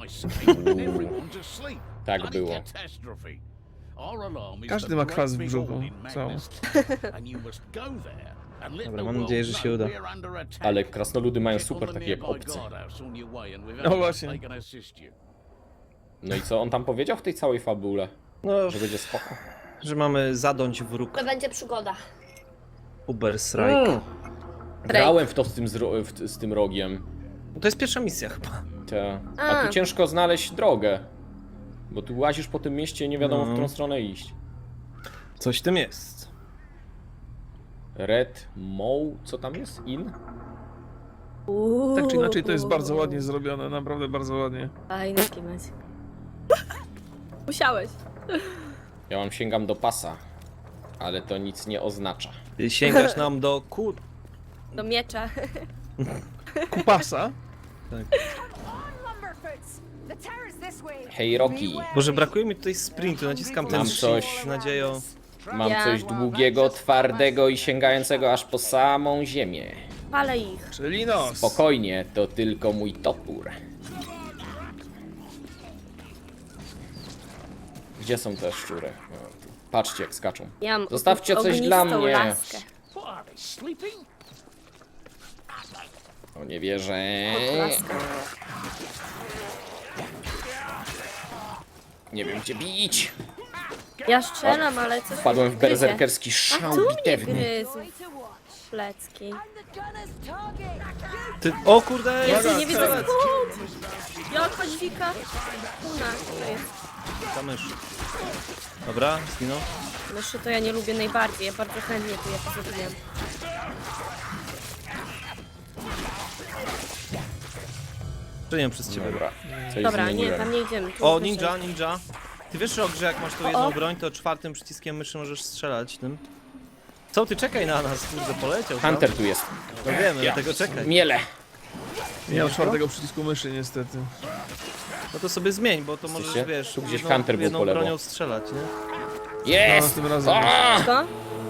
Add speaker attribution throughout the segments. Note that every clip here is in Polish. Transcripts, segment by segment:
Speaker 1: Tak było.
Speaker 2: Każdy ma kwas w brzuchu. Co?
Speaker 3: Dobra, mam nadzieję, że się uda.
Speaker 1: Ale krasnoludy mają super takie jak obce.
Speaker 2: No właśnie.
Speaker 1: No i co on tam powiedział w tej całej fabule?
Speaker 3: No,
Speaker 1: Że będzie spoko.
Speaker 3: że mamy zadąć wróg.
Speaker 4: To będzie przygoda.
Speaker 3: Uber Strike.
Speaker 1: Grałem w to z tym rogiem.
Speaker 3: To jest pierwsza misja chyba.
Speaker 1: A tu ciężko znaleźć drogę. Bo tu łazisz po tym mieście i nie wiadomo, w którą stronę iść.
Speaker 3: Coś w tym jest.
Speaker 1: Red Mow, co tam jest?
Speaker 2: Tak czy inaczej to jest bardzo ładnie zrobione, naprawdę bardzo ładnie.
Speaker 4: Fajny kimać. Musiałeś.
Speaker 1: Ja mam sięgam do pasa. Ale to nic nie oznacza.
Speaker 3: Ty sięgasz nam do
Speaker 4: Do miecza.
Speaker 2: Kupasa?
Speaker 1: Hej Rocky,
Speaker 3: Boże, brakuje mi tutaj sprintu, naciskam ten
Speaker 1: Mam coś.
Speaker 3: shift z nadzieją.
Speaker 1: mam
Speaker 4: Ja.
Speaker 1: coś długiego, twardego i sięgającego aż po samą ziemię.
Speaker 4: Palę ich.
Speaker 2: Czyli nos.
Speaker 1: Spokojnie, to tylko mój topór. Gdzie są te szczury? O, tu. Patrzcie jak skaczą.
Speaker 4: Ja mam
Speaker 1: Zostawcie coś
Speaker 4: ognistą
Speaker 1: dla mnie.
Speaker 4: laskę.
Speaker 1: O, nie wierzę.
Speaker 4: Laskę.
Speaker 1: Nie wiem gdzie bić.
Speaker 4: Ja strzelam, ale coś
Speaker 1: Wpadłem w
Speaker 4: mnie gryzie.
Speaker 1: berserkerski
Speaker 4: A
Speaker 1: szał
Speaker 4: tu mnie
Speaker 1: bitewny.
Speaker 4: gryzł. Plecki.
Speaker 3: Ty... O kurde!
Speaker 4: Jezu,
Speaker 3: Uwaga,
Speaker 4: nie widzę
Speaker 3: strzelec!
Speaker 4: skąd! Jaka dźwika. Una, to jest.
Speaker 3: Ta mysz. Dobra, zginął.
Speaker 4: Myszy to ja nie lubię najbardziej, ja bardzo chętnie tu je zabijam.
Speaker 3: Czynię przez ciebie.
Speaker 1: Dobra, coś
Speaker 4: Dobra, nie,
Speaker 1: zmieniłem.
Speaker 4: tam nie idziemy. Tu
Speaker 3: O,
Speaker 4: wyżej.
Speaker 3: ninja. Ty wiesz, Rok, że jak masz tą jedną broń, to czwartym przyciskiem myszy możesz strzelać tym? Co, ty czekaj na nas, kurde, poleciał tam.
Speaker 1: Hunter tu jest.
Speaker 3: No wiemy, dlatego czekaj.
Speaker 1: Miele.
Speaker 2: Nie mam czwartego przycisku myszy niestety.
Speaker 3: No to sobie zmień, bo to możesz,
Speaker 1: Słyszycie?
Speaker 3: wiesz,
Speaker 1: Tu gdzieś
Speaker 3: jedną,
Speaker 1: Hunter był
Speaker 3: jedną
Speaker 1: po lewo.
Speaker 3: bronią strzelać, nie?
Speaker 1: Jest!
Speaker 2: No, tym razem.
Speaker 1: A!
Speaker 4: Co?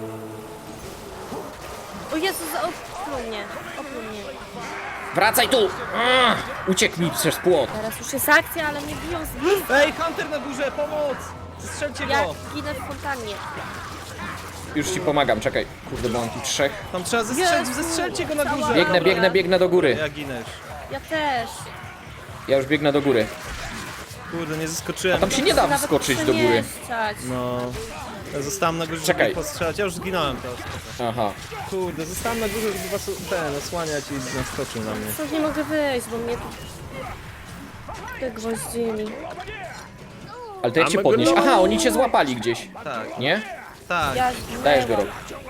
Speaker 4: O Jezu, opluł mnie. Opluł mnie.
Speaker 1: Wracaj tu! A! Uciekł mi przez płot.
Speaker 4: Teraz już jest akcja, ale mnie biją z nim.
Speaker 3: Ej, Hunter na górze, pomoc! Strzelcie
Speaker 4: Ja
Speaker 3: go!
Speaker 4: ginę w fontannie.
Speaker 1: Już ci pomagam, czekaj. Kurde, bo mam tu trzech.
Speaker 3: Tam trzeba zestrzelić,
Speaker 4: Jezu,
Speaker 3: zestrzelcie go na
Speaker 4: cała
Speaker 3: górze!
Speaker 1: Biegnę do góry.
Speaker 3: Ja ginę już.
Speaker 4: Ja też.
Speaker 1: Ja już biegnę do góry.
Speaker 3: Kurde, nie zeskoczyłem.
Speaker 1: A tam się nie da
Speaker 4: Nawet
Speaker 1: wskoczyć do góry.
Speaker 4: przemieszczać.
Speaker 3: No... Ja zostałem na górze,
Speaker 1: Czekaj.
Speaker 3: żeby postrzelać. Ja już zginąłem teraz.
Speaker 1: Aha.
Speaker 3: Kurde, zostałem na górze, żeby was osłaniać i naskoczył na mnie.
Speaker 4: Stąd nie mogę wyjść, bo mnie tu... Te gwoździli.
Speaker 1: Ale to jak cię podnieść? Aha, oni cię złapali gdzieś.
Speaker 3: Tak,
Speaker 1: Nie?
Speaker 3: tak.
Speaker 4: Ja
Speaker 1: Dajesz go, Rok.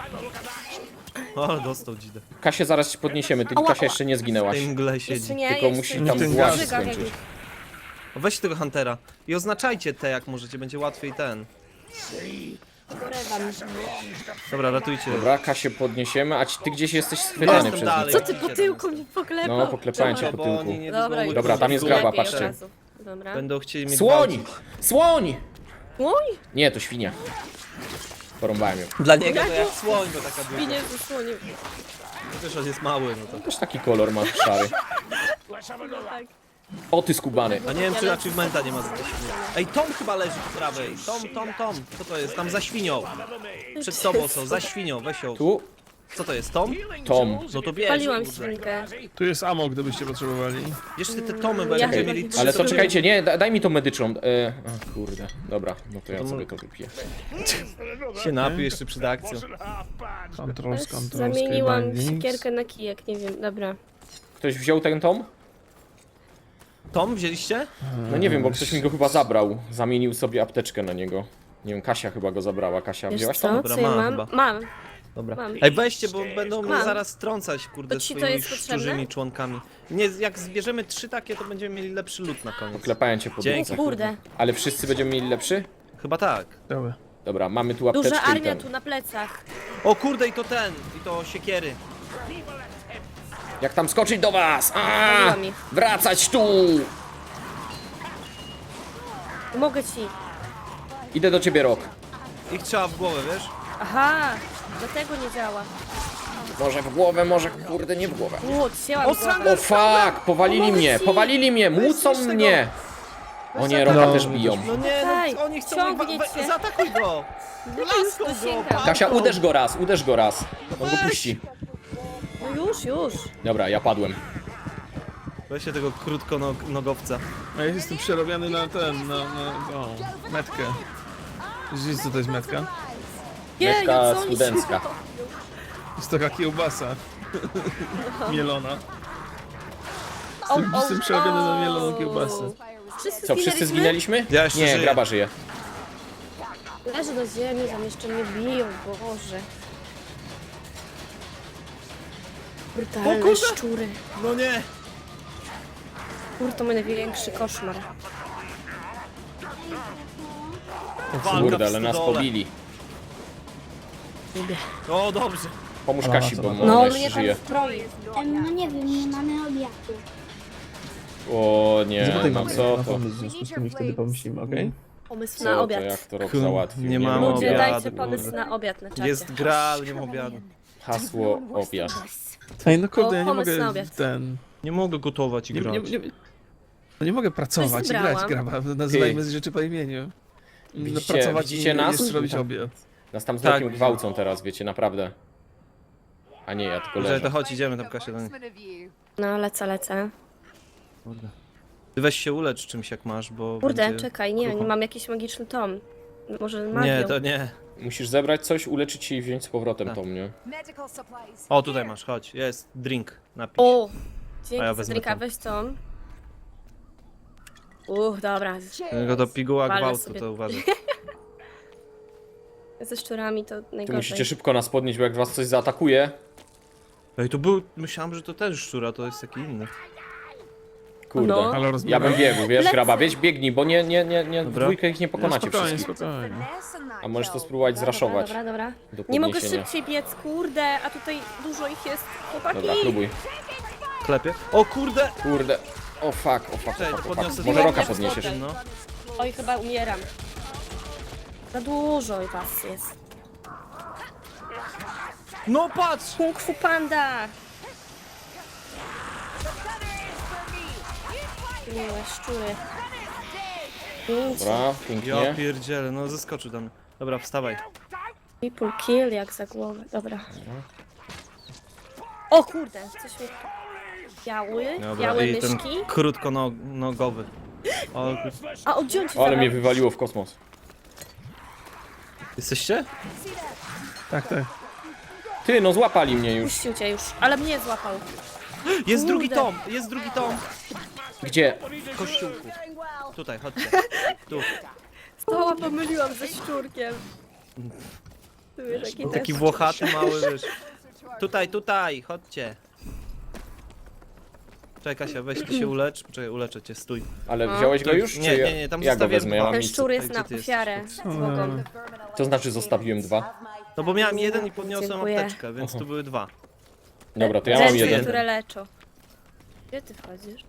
Speaker 3: O, dostał dzidę.
Speaker 1: Kasię zaraz ci podniesiemy, ty
Speaker 4: Ała,
Speaker 1: Kasia
Speaker 4: ała.
Speaker 1: jeszcze nie
Speaker 3: W
Speaker 1: zginęłaś.
Speaker 3: tej mgle
Speaker 4: Jeszcze
Speaker 3: siedzi.
Speaker 4: nie,
Speaker 1: Tylko
Speaker 4: jeszcze
Speaker 1: musi
Speaker 4: nie.
Speaker 1: tam
Speaker 2: Ten
Speaker 1: włas
Speaker 2: gaz.
Speaker 1: skończyć.
Speaker 3: Weź tego Huntera i oznaczajcie te jak możecie, będzie łatwiej ten.
Speaker 4: Porywam.
Speaker 3: Dobra, ratujcie.
Speaker 1: Dobra, Kasię podniesiemy, a ty gdzieś jesteś schwytany
Speaker 3: Jestem
Speaker 1: przez
Speaker 3: dalej.
Speaker 1: nich.
Speaker 4: Co ty po tyłku mnie poklepał?
Speaker 1: No, poklepałem cię
Speaker 3: Bo
Speaker 1: po tyłku.
Speaker 3: oni niedługo
Speaker 4: Dobra,
Speaker 3: mój
Speaker 1: Dobra, tam jest
Speaker 3: kurde,
Speaker 1: graba,
Speaker 4: Lepiej od
Speaker 1: patrzcie.
Speaker 4: razu. Dobra.
Speaker 3: Będą chcieli mnie
Speaker 1: Słoń!
Speaker 3: gwałcić.
Speaker 1: Słoń!
Speaker 4: Oj,
Speaker 1: Nie, to świnia. Porąbałem ją.
Speaker 3: Dla niego to jak słoń, bo taka duża.
Speaker 4: winie zasłonił.
Speaker 3: Też on jest mały, no to.
Speaker 1: Też taki kolor ma szary.
Speaker 4: Tak.
Speaker 1: O ty skubany.
Speaker 3: A nie wiem, czy achievementa nie ma za to świnie. Ej, Tom chyba leży po prawej. Tom. Co to jest? Tam za świnią. Przed tobą są, za świnią, weź ją.
Speaker 1: Tu
Speaker 3: Co to jest, Tom?
Speaker 1: Tom.
Speaker 3: No to bierz.
Speaker 4: Paliłam
Speaker 3: kurde.
Speaker 4: świnkę.
Speaker 2: Tu jest ammo, gdybyście potrzebowali.
Speaker 3: Jeszcze te Tomy
Speaker 4: Ja
Speaker 3: będziemy
Speaker 4: chyba
Speaker 3: mieli
Speaker 4: nie-
Speaker 3: trzy.
Speaker 1: Ale to
Speaker 3: sobie-
Speaker 1: czekajcie, nie, daj mi tą medyczną. O kurde, dobra, no to ja sobie to wypiję.
Speaker 3: Się napij jeszcze przed akcją.
Speaker 2: Control,
Speaker 4: Zamieniłam
Speaker 2: skybindings.
Speaker 4: siekierkę na kijek, nie wiem, dobra.
Speaker 1: Ktoś wziął ten tom?
Speaker 3: Tom wzięliście?
Speaker 1: No nie wiem, bo ktoś mi go chyba zabrał. Zamienił sobie apteczkę na niego. Nie wiem, Kasia chyba go zabrała. Kasia,
Speaker 4: Wiesz
Speaker 1: wzięłaś
Speaker 4: co?
Speaker 1: to?
Speaker 3: Dobra,
Speaker 4: Co ja
Speaker 3: mam
Speaker 4: mam?
Speaker 3: chyba.
Speaker 4: Mam.
Speaker 3: Dobra.
Speaker 4: Mam.
Speaker 3: Ej, weźcie, bo będą mnie
Speaker 4: Mam.
Speaker 3: zaraz trącać, kurde,
Speaker 4: To ci to
Speaker 3: swoimi
Speaker 4: jest potrzebne?
Speaker 3: szczurzymi członkami. Nie, jak zbierzemy 3 takie, to będziemy mieli lepszy loot na koniec.
Speaker 1: Klepałem cię po
Speaker 3: Dzięki.
Speaker 1: drodze.
Speaker 4: Kurde.
Speaker 1: Ale wszyscy będziemy mieli lepszy?
Speaker 3: Chyba tak.
Speaker 2: Dobra.
Speaker 1: Dobra, mamy tu apteczkę
Speaker 4: Duża
Speaker 1: i
Speaker 4: armia
Speaker 1: ten.
Speaker 4: tu na plecach.
Speaker 3: O kurde, i to siekiery.
Speaker 1: Jak tam skoczyć do was?
Speaker 4: Zabiłam ich.
Speaker 1: Wracać tu!
Speaker 4: Pomogę ci.
Speaker 1: Idę do ciebie, Rok.
Speaker 3: Ich trzeba w głowę, wiesz?
Speaker 4: Aha, dlatego nie działa.
Speaker 1: Może w głowę, może kurde nie w głowę.
Speaker 4: Cięłam
Speaker 3: O,
Speaker 4: głowę.
Speaker 3: Sander!
Speaker 1: O fuck! Powalili mnie! Powalili mnie! Mucą
Speaker 3: Weź
Speaker 1: mnie! O nie, Roka
Speaker 2: No.
Speaker 1: też biją.
Speaker 3: No nie,
Speaker 4: Okej,
Speaker 3: no oni chcą...
Speaker 4: ciągnie cię.
Speaker 3: Zaatakuj go! Laską go!
Speaker 4: dosięgam.
Speaker 1: Kasia, uderz go raz. On go puści.
Speaker 4: No już.
Speaker 1: Dobra, ja padłem.
Speaker 3: Weźcie tego krótkonogowca.
Speaker 2: A ja jestem przerobiony na metkę. Widzicie co to jest metka?
Speaker 1: Metka
Speaker 4: co oni
Speaker 1: studencka.
Speaker 2: Jest taka kiełbasa. Mielona.
Speaker 4: O,
Speaker 2: Jestem przerobiony na mieloną kiełbasę.
Speaker 1: Co, wszyscy zginęliśmy?
Speaker 3: Ja jeszcze
Speaker 1: Nie,
Speaker 3: żyję.
Speaker 1: graba żyje.
Speaker 4: Leżę na ziemi, tam jeszcze mnie biją, Boże. Brutalne szczury.
Speaker 3: No nie!
Speaker 4: To mój największy koszmar.
Speaker 3: Walka
Speaker 1: Kurde,
Speaker 3: w
Speaker 1: ale nas
Speaker 3: stodole.
Speaker 1: pobili.
Speaker 3: O, dobrze.
Speaker 1: Pomóż Kasi, bo
Speaker 4: No,
Speaker 1: ona
Speaker 4: mnie
Speaker 1: jeszcze
Speaker 4: tam
Speaker 1: żyje.
Speaker 4: wkroi.
Speaker 5: No nie wiem, nie mamy obiadu.
Speaker 1: O nie,
Speaker 2: Zapytaj
Speaker 1: no
Speaker 2: mamy
Speaker 1: co
Speaker 2: na
Speaker 1: to?
Speaker 2: pomysł, w związku z tym i wtedy pomyślimy, okej?
Speaker 4: Pomysł
Speaker 1: Co
Speaker 4: na
Speaker 1: to,
Speaker 4: obiad.
Speaker 1: jak to Rok
Speaker 3: Kur-
Speaker 1: załatwił?
Speaker 3: nie mamy
Speaker 1: mam
Speaker 4: Ludzie,
Speaker 3: obiadu,
Speaker 4: dajcie
Speaker 3: kurde.
Speaker 4: pomysł na obiad na czacie.
Speaker 3: Jest gra, ale nie ma obiadu.
Speaker 1: Hasło obiad.
Speaker 2: Ej, no kurde, ja nie
Speaker 4: pomysł na
Speaker 2: mogę
Speaker 4: obiad.
Speaker 2: w ten...
Speaker 3: Nie mogę gotować i grać.
Speaker 2: No nie mogę pracować i grać,
Speaker 4: zebrałam.
Speaker 2: graba. Nazywajmy rzeczy po imieniu. Pracować
Speaker 1: widzicie
Speaker 2: i
Speaker 1: nas?
Speaker 2: jeszcze robić obiad.
Speaker 1: Nas tam z
Speaker 3: Tak.
Speaker 1: Rokiem gwałcą teraz, wiecie, naprawdę. A nie, ja tylko
Speaker 3: Że to
Speaker 1: leżę.
Speaker 3: chodź, idziemy tam Kasia do niej.
Speaker 4: No, lecę.
Speaker 3: Kurde. Ty weź się ulecz czymś jak masz, bo
Speaker 4: Kurde,
Speaker 3: będzie...
Speaker 4: czekaj, nie
Speaker 3: krucho.
Speaker 4: mam jakiś magiczny tom. Może magią.
Speaker 3: Nie, to nie.
Speaker 1: Musisz zebrać coś, uleczyć się i wziąć z powrotem
Speaker 3: Tak.
Speaker 1: to mnie.
Speaker 3: O, tutaj masz, chodź. Jest drink, napisz.
Speaker 4: O!
Speaker 3: A
Speaker 4: Dzięki
Speaker 3: ja
Speaker 4: za
Speaker 3: wezmę
Speaker 4: drinka,
Speaker 3: tom.
Speaker 4: weź tom. Dobra.
Speaker 3: Tylko do piguła
Speaker 4: Walę
Speaker 3: gwałtu
Speaker 4: sobie.
Speaker 3: to uważaj.
Speaker 4: Ze szczurami to
Speaker 1: Tu
Speaker 4: najgorzej.
Speaker 1: musicie szybko nas podnieść, bo jak was coś zaatakuje...
Speaker 3: Ej, to był... Myślałem, że to też szczura, to jest taki inny.
Speaker 1: Kurde.
Speaker 4: No.
Speaker 2: Ale
Speaker 1: Ja
Speaker 2: rozmawiam.
Speaker 1: bym biegł, wiesz,
Speaker 4: Lecę.
Speaker 1: graba, biegnij, bo nie, w
Speaker 3: Dobra.
Speaker 1: dwójkę ich nie
Speaker 2: No,
Speaker 1: pokonacie
Speaker 2: spokojnie,
Speaker 1: wszystkich.
Speaker 2: spokojnie.
Speaker 1: A możesz to spróbować zraszować
Speaker 4: Dobra.
Speaker 1: do
Speaker 4: Nie mogę
Speaker 1: podniesienia.
Speaker 4: szybciej biec, kurde, a tutaj dużo ich jest. Chłopaki!
Speaker 1: Dobra, próbuj.
Speaker 3: Klepie. O kurde!
Speaker 1: Kurde. O fuck.
Speaker 3: Cześć, podniosę
Speaker 1: Może
Speaker 3: to.
Speaker 1: Roka podniesiesz.
Speaker 3: No.
Speaker 4: Oj, chyba umieram. Za dużo was jest.
Speaker 3: No patrz!
Speaker 4: Kung Fu Panda! Miłe szczury. Pięć.
Speaker 1: Dobra,
Speaker 3: Ja
Speaker 1: pięknie.
Speaker 3: pierdzielę, no zeskoczył tam. Dobra, wstawaj.
Speaker 4: People kill jak za głowę. Dobra. O kurde, coś mi...
Speaker 3: Dobra,
Speaker 4: Białe
Speaker 3: i ten
Speaker 4: myszki.
Speaker 3: krótkonogowy. O,
Speaker 4: A odciąć się
Speaker 1: Ale mnie wywaliło w kosmos.
Speaker 3: jesteście?
Speaker 2: Tak.
Speaker 1: Ty, no złapali mnie już.
Speaker 4: Puścił cię już, ale mnie złapał.
Speaker 3: Jest drugi
Speaker 4: Kurde.
Speaker 3: tom! Jest drugi tom!
Speaker 1: Gdzie?
Speaker 3: W kościółku. Tutaj, chodźcie. Tu.
Speaker 4: Stoła pomyliłam ze szczurkiem. Tu jest taki,
Speaker 3: Taki
Speaker 4: też.
Speaker 3: włochaty mały, wiesz. Tutaj, chodźcie. Czekaj Kasia, weź ty się ulecz. Poczekaj, uleczę cię, stój.
Speaker 1: Ale wziąłeś go już?
Speaker 3: Nie,
Speaker 1: czy
Speaker 3: nie, nie, tam
Speaker 1: ja go
Speaker 3: zostawiłem
Speaker 1: wezmę, ja
Speaker 3: dwa.
Speaker 1: mam
Speaker 4: Ten
Speaker 1: miejsce.
Speaker 4: szczur jest
Speaker 3: Gdzie
Speaker 4: na
Speaker 3: ty jesteś?
Speaker 4: ofiarę z bogą.
Speaker 1: To znaczy zostawiłem 2.
Speaker 3: No bo miałem jeden i podniosłem
Speaker 4: Dziękuję.
Speaker 3: apteczkę, więc tu były 2.
Speaker 1: Dobra, to ja mam
Speaker 4: Rzeczy,
Speaker 1: jeden.
Speaker 4: które leczą. Gdzie ty wchodzisz?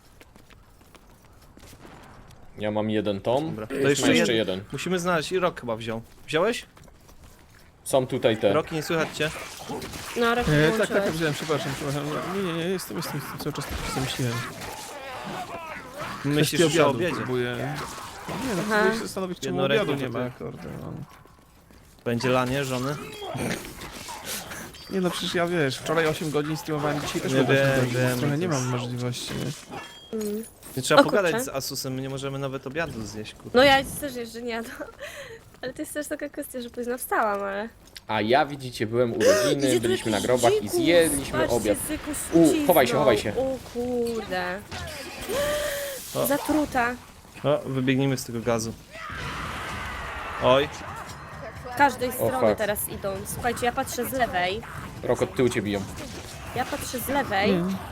Speaker 1: Ja mam jeden tom.
Speaker 3: Dobra, to
Speaker 1: To
Speaker 3: jeszcze
Speaker 1: jeszcze
Speaker 3: jeden.
Speaker 1: jeden.
Speaker 3: Musimy znaleźć i Rok chyba wziął. Wziąłeś?
Speaker 1: Są tutaj te.
Speaker 3: Roki, nie słychać cię?
Speaker 4: No, rok
Speaker 2: Tak, wziąłem, przepraszam. Nie, jestem cały czas tak się myślałem.
Speaker 3: Myślisz
Speaker 2: Kwestii
Speaker 3: że o
Speaker 2: obiadu
Speaker 3: obiedzie.
Speaker 2: próbuję. Nie no,
Speaker 4: Aha.
Speaker 2: próbuję się zastanowić, czemu
Speaker 3: Jednoręki
Speaker 2: obiadu nie
Speaker 3: to
Speaker 2: ma,
Speaker 3: ty.
Speaker 2: kurde. No.
Speaker 3: Będzie lanie żony?
Speaker 2: Nie no, przecież ja wiesz, wczoraj 8 godzin streamowałem, dzisiaj też
Speaker 3: Nie
Speaker 2: mam 8
Speaker 3: wiem,
Speaker 2: godzin,
Speaker 3: wiem,
Speaker 2: więc trochę
Speaker 3: to
Speaker 2: nie mam
Speaker 3: jest-
Speaker 2: możliwości. Nie?
Speaker 3: Nie trzeba
Speaker 4: O,
Speaker 3: pogadać
Speaker 4: kurczę.
Speaker 3: z Asusem, my nie możemy nawet obiadu zjeść, kurde.
Speaker 4: No ja też jeszcze nie jadłam. Ale to jest też taka kwestia, że późno wstałam, ale...
Speaker 1: A ja widzicie, byłem urodziny,
Speaker 4: Gdzie tu
Speaker 1: byliśmy na
Speaker 4: jakiś
Speaker 1: grobach i
Speaker 4: dzikus?
Speaker 1: zjedliśmy
Speaker 4: Patrzcie,
Speaker 1: obiad.
Speaker 4: zykus z
Speaker 1: U,
Speaker 4: trucizną.
Speaker 1: chowaj się.
Speaker 4: O kurde.
Speaker 3: O.
Speaker 4: Zatruta.
Speaker 3: O, wybiegnijmy z tego gazu. Oj,
Speaker 4: Z każdej strony
Speaker 1: fuck.
Speaker 4: teraz idą. Słuchajcie, ja patrzę z lewej.
Speaker 1: Rok od tyłu cię biją.
Speaker 4: Ja patrzę z lewej.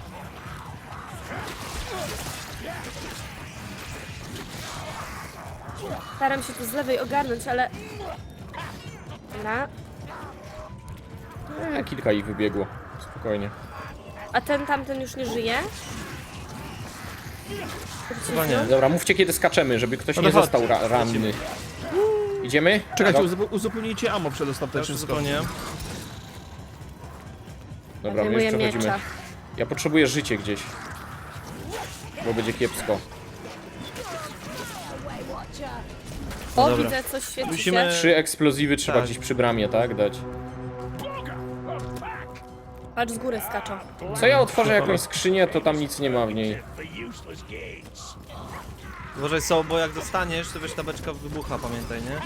Speaker 4: Staram się tu z lewej ogarnąć, ale... Dobra.
Speaker 1: A kilka ich wybiegło. Spokojnie.
Speaker 4: A tamten już nie żyje?
Speaker 3: chyba nie.
Speaker 1: Dobra, mówcie kiedy skaczemy, żeby ktoś
Speaker 3: No
Speaker 1: nie
Speaker 3: to chodź.
Speaker 1: został ranny. Idziemy?
Speaker 2: Czekajcie,
Speaker 1: Rok?
Speaker 2: uzupełnijcie ammo przed
Speaker 3: Ja
Speaker 2: ostatecznym
Speaker 3: już
Speaker 2: skokiem.
Speaker 3: zupełnie.
Speaker 1: Dobra, my
Speaker 4: Zajmuję
Speaker 1: już przechodzimy.
Speaker 4: miecza.
Speaker 1: Ja potrzebuję życie gdzieś. Bo będzie kiepsko.
Speaker 4: O,
Speaker 3: dobra.
Speaker 4: widzę, coś świeci
Speaker 3: Musimy-
Speaker 4: się.
Speaker 1: 3 eksplozywy trzeba
Speaker 3: Tak.
Speaker 1: gdzieś przy bramie, tak? Dać.
Speaker 4: Patrz, z góry skaczą.
Speaker 1: Co ja otworzę jakąś skrzynię, to tam nic nie ma w niej.
Speaker 3: Uważaj są, bo jak dostaniesz, to wiesz, ta beczka wybucha, pamiętaj, nie?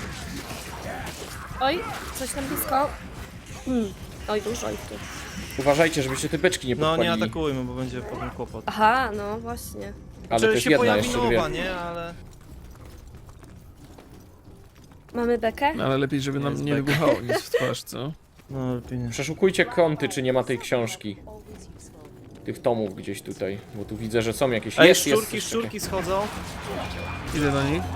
Speaker 4: Oj, coś tam blisko. Oj, dużo ich tu.
Speaker 1: Uważajcie, żebyście te beczki nie
Speaker 3: No nie
Speaker 1: podpalili.
Speaker 3: atakujmy, bo będzie potem kłopot.
Speaker 4: Aha, no właśnie.
Speaker 1: Ale
Speaker 3: Czy
Speaker 1: też
Speaker 3: się
Speaker 1: jedna
Speaker 3: pojawi
Speaker 1: jeszcze,
Speaker 3: nowa,
Speaker 1: dwie.
Speaker 3: nie? Ale...
Speaker 4: Mamy bekę?
Speaker 2: No, ale lepiej, żeby nam
Speaker 3: Jest
Speaker 2: nie
Speaker 3: bek.
Speaker 2: wybuchało nic w twarz, co?
Speaker 3: No lepiej nie.
Speaker 1: Przeszukujcie kąty, czy nie ma tej książki. Tych tomów gdzieś tutaj, bo tu widzę, że są jakieś...
Speaker 3: Ej,
Speaker 1: jest
Speaker 3: szczurki,
Speaker 1: coś
Speaker 3: szczurki schodzą.
Speaker 2: Idę do nich.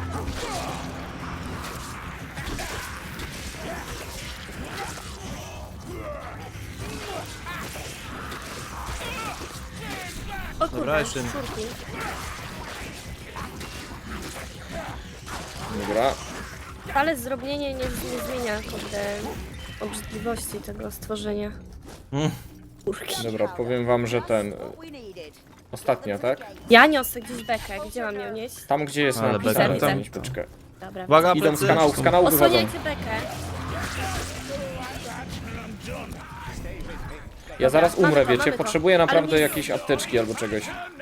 Speaker 4: O
Speaker 3: Dobra,
Speaker 4: kurde,
Speaker 3: jeszcze-
Speaker 4: szczurki.
Speaker 1: takiego. Dobra.
Speaker 4: Ale zdrobnienie nie zmienia, kurde, obrzydliwości tego stworzenia.
Speaker 3: Mm.
Speaker 4: Kurki.
Speaker 1: Dobra, powiem wam, że ten... Ostatnia, tak?
Speaker 4: Ja niosę gdzieś bekę. Gdzie mam ją nieść?
Speaker 1: Tam, gdzie jest
Speaker 3: Ale
Speaker 1: napisane,
Speaker 4: beka.
Speaker 1: tam mieć beczkę.
Speaker 4: Dobra.
Speaker 3: Uwaga,
Speaker 1: Idą z
Speaker 3: plecy.
Speaker 1: kanału wychodzą.
Speaker 4: Osłaniajcie bekę.
Speaker 1: Ja zaraz
Speaker 4: Mamy
Speaker 1: umrę,
Speaker 4: to,
Speaker 1: wiecie,
Speaker 4: mamy to.
Speaker 1: potrzebuję naprawdę
Speaker 4: Ale nie-
Speaker 1: jakiejś apteczki albo czegoś.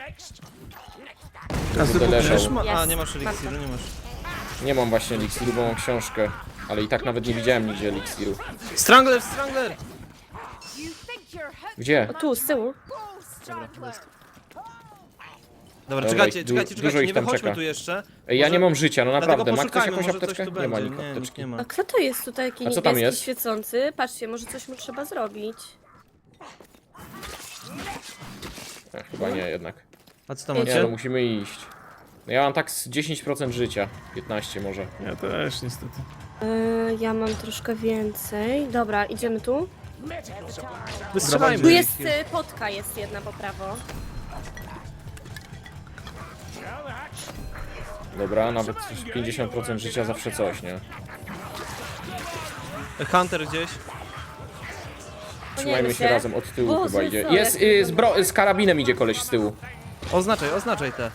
Speaker 2: A
Speaker 1: Będę leżał.
Speaker 3: Wiesz, a,
Speaker 4: Jest.
Speaker 3: nie masz eliksiru, nie masz.
Speaker 1: Nie mam właśnie eliksiru, bo mam książkę. Ale i tak nawet nie widziałem nigdzie eliksiru.
Speaker 3: Strangler, Strangler!
Speaker 1: Gdzie?
Speaker 4: O tu, z tyłu.
Speaker 3: Dobra,
Speaker 1: Dobra,
Speaker 3: czekajcie,
Speaker 1: ich
Speaker 3: czekajcie,
Speaker 1: dużo
Speaker 3: czekajcie,
Speaker 1: ich
Speaker 3: nie
Speaker 1: tam
Speaker 3: wychodźmy
Speaker 1: czeka.
Speaker 3: tu jeszcze.
Speaker 1: Ej, ja
Speaker 3: Może-
Speaker 1: nie mam życia, no
Speaker 3: Dlatego
Speaker 1: naprawdę. Ma ktoś
Speaker 3: poszukajmy,
Speaker 1: jakąś
Speaker 3: może coś
Speaker 1: apteczkę?
Speaker 3: tu
Speaker 1: Nie ma
Speaker 3: będzie.
Speaker 1: nikt
Speaker 3: Nie, nikt
Speaker 1: apteczki.
Speaker 3: nie ma.
Speaker 4: A kto to jest tutaj taki
Speaker 1: A co tam
Speaker 4: niebieski,
Speaker 1: jest?
Speaker 4: świecący? Patrzcie, może coś mu trzeba zrobić.
Speaker 1: Chyba nie jednak.
Speaker 3: A co tam
Speaker 4: Nie,
Speaker 1: Nie, no
Speaker 3: macie?
Speaker 1: musimy iść. No ja mam tak z 10% życia. 15 może.
Speaker 2: Ja też niestety.
Speaker 4: Ja mam troszkę więcej. Dobra, idziemy tu.
Speaker 3: Wystrzelajmy.
Speaker 4: Tu jest potka, jest jedna po prawo.
Speaker 1: Dobra, nawet 50% życia zawsze coś, nie?
Speaker 3: Hunter gdzieś.
Speaker 1: Trzymajmy się razem, od tyłu
Speaker 4: Boże,
Speaker 1: chyba idzie.
Speaker 4: co,
Speaker 1: Jest,
Speaker 4: jak
Speaker 1: z karabinem idzie koleś z tyłu.
Speaker 3: Oznaczaj te.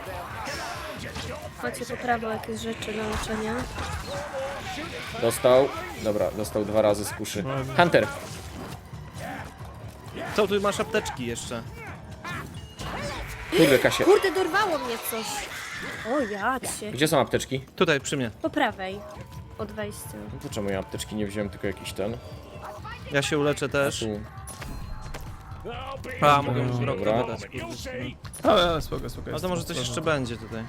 Speaker 4: Macie po prawo jakieś rzeczy do leczenia.
Speaker 1: Dostał. Dobra, dostał 2 razy z kuszy. Hunter!
Speaker 3: Co, tu masz apteczki jeszcze.
Speaker 1: Kurde, Kasie.
Speaker 4: Kurde, dorwało mnie coś. O, jacie.
Speaker 1: Gdzie są apteczki?
Speaker 3: Tutaj, przy mnie.
Speaker 4: Po prawej. Od wejścia.
Speaker 1: No to czemu ja apteczki nie wziąłem, tylko jakiś ten?
Speaker 3: Ja się uleczę też.
Speaker 1: Tu.
Speaker 3: A, mogę już rok
Speaker 1: Dobra.
Speaker 3: wydać, kurde.
Speaker 2: Ale spoko, spoko.
Speaker 3: A
Speaker 2: jest
Speaker 3: to może coś jeszcze będzie tutaj.